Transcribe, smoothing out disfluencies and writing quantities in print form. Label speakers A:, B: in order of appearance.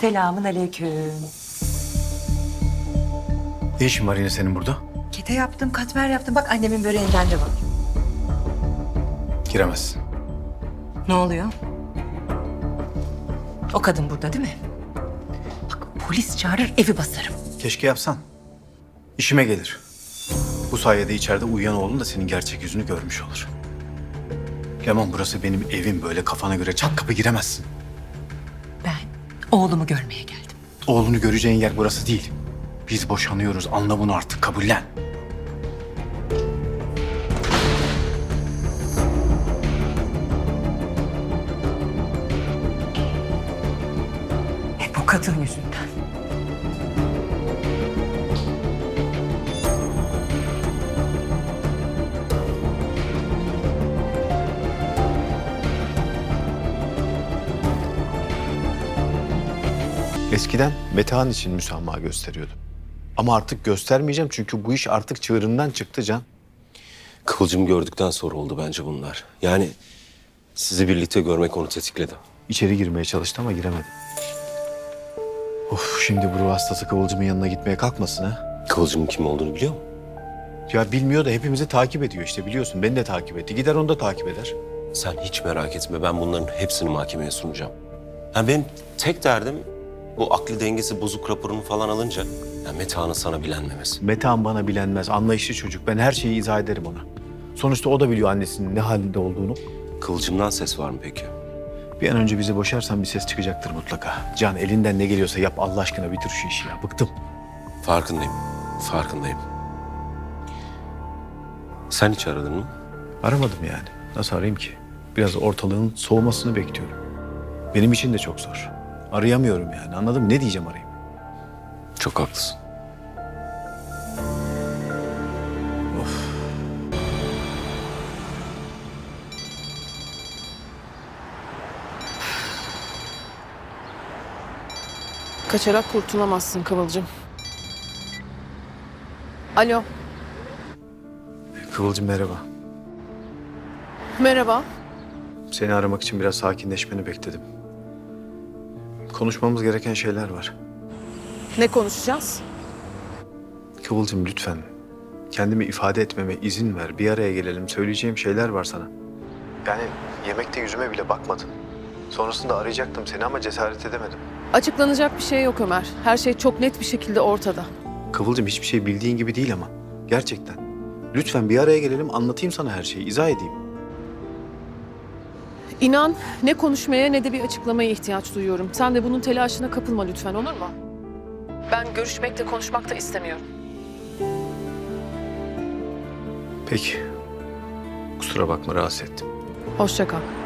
A: Selamun aleyküm.
B: Ne işin var yine senin burada?
A: Kete yaptım, katmer yaptım. Bak annemin böreğinden de var.
B: Giremezsin.
A: Ne oluyor? O kadın burada değil mi? Bak polis çağırır evi basarım.
B: Keşke yapsan. İşime gelir. Bu sayede içeride uyuyan oğlun da senin gerçek yüzünü görmüş olur. Leman, burası benim evim, böyle kafana göre çat kapı giremezsin.
A: Ben oğlumu görmeye geldim.
B: Oğlunu göreceğin yer burası değil. Biz boşanıyoruz, anla bunu artık, kabullen.
A: Hep o kadın yüzünden.
B: Eskiden Metehan için müsamaha gösteriyordum. Ama artık göstermeyeceğim çünkü bu iş artık çığırından çıktı Can.
C: Kıvılcımı gördükten sonra oldu bence bunlar. Yani sizi birlikte görmek onu tetikledi.
B: İçeri girmeye çalıştı ama giremedi. Of, şimdi bu ruh hastası Kıvılcım'ın yanına gitmeye kalkmasın ha.
C: Kıvılcımın kim olduğunu biliyor mu?
B: Ya bilmiyor da hepimizi takip ediyor işte, biliyorsun. Beni de takip etti. Gider onu da takip eder.
C: Sen hiç merak etme, ben bunların hepsini mahkemeye sunacağım. Yani benim tek derdim bu akli dengesi bozuk raporunu falan alınca yani Metehan'ın sana bilenmemesi.
B: Metehan bana bilenmez, anlayışlı çocuk. Ben her şeyi izah ederim ona. Sonuçta o da biliyor annesinin ne halinde olduğunu.
C: Kıvılcımdan ses var mı peki?
B: Bir an önce bizi boşarsan bir ses çıkacaktır mutlaka. Can, elinden ne geliyorsa yap Allah aşkına, bitir şu işi ya. Bıktım.
C: Farkındayım, farkındayım. Sen hiç aradın mı?
B: Aramadım yani. Nasıl arayayım ki? Biraz ortalığın soğumasını bekliyorum. Benim için de çok zor. Arayamıyorum yani, anladın mı? Ne diyeceğim arayayım?
C: Çok haklısın.
D: Kaçarak kurtulamazsın Kıvılcım. Alo,
B: Kıvılcım merhaba.
D: merhaba.
B: Seni aramak için biraz sakinleşmeni bekledim. Konuşmamız gereken şeyler var.
D: Ne konuşacağız?
B: Kıvılcım lütfen kendimi ifade etmeme izin ver. Bir araya gelelim. Söyleyeceğim şeyler var sana. Yani yemekte yüzüme bile bakmadın. Sonrasında arayacaktım seni ama cesaret edemedim.
D: Açıklanacak bir şey yok Ömer. Her şey çok net bir şekilde ortada.
B: Kıvılcım hiçbir şey bildiğin gibi değil ama. Gerçekten. Lütfen bir araya gelelim, anlatayım sana her şeyi, izah edeyim.
D: İnan ne konuşmaya ne de bir açıklamaya ihtiyaç duyuyorum. Sen de bunun telaşına kapılma lütfen, olur mu? Ben görüşmek de konuşmak da istemiyorum.
B: Peki. Kusura bakma, rahatsız ettim.
D: Hoşça kal.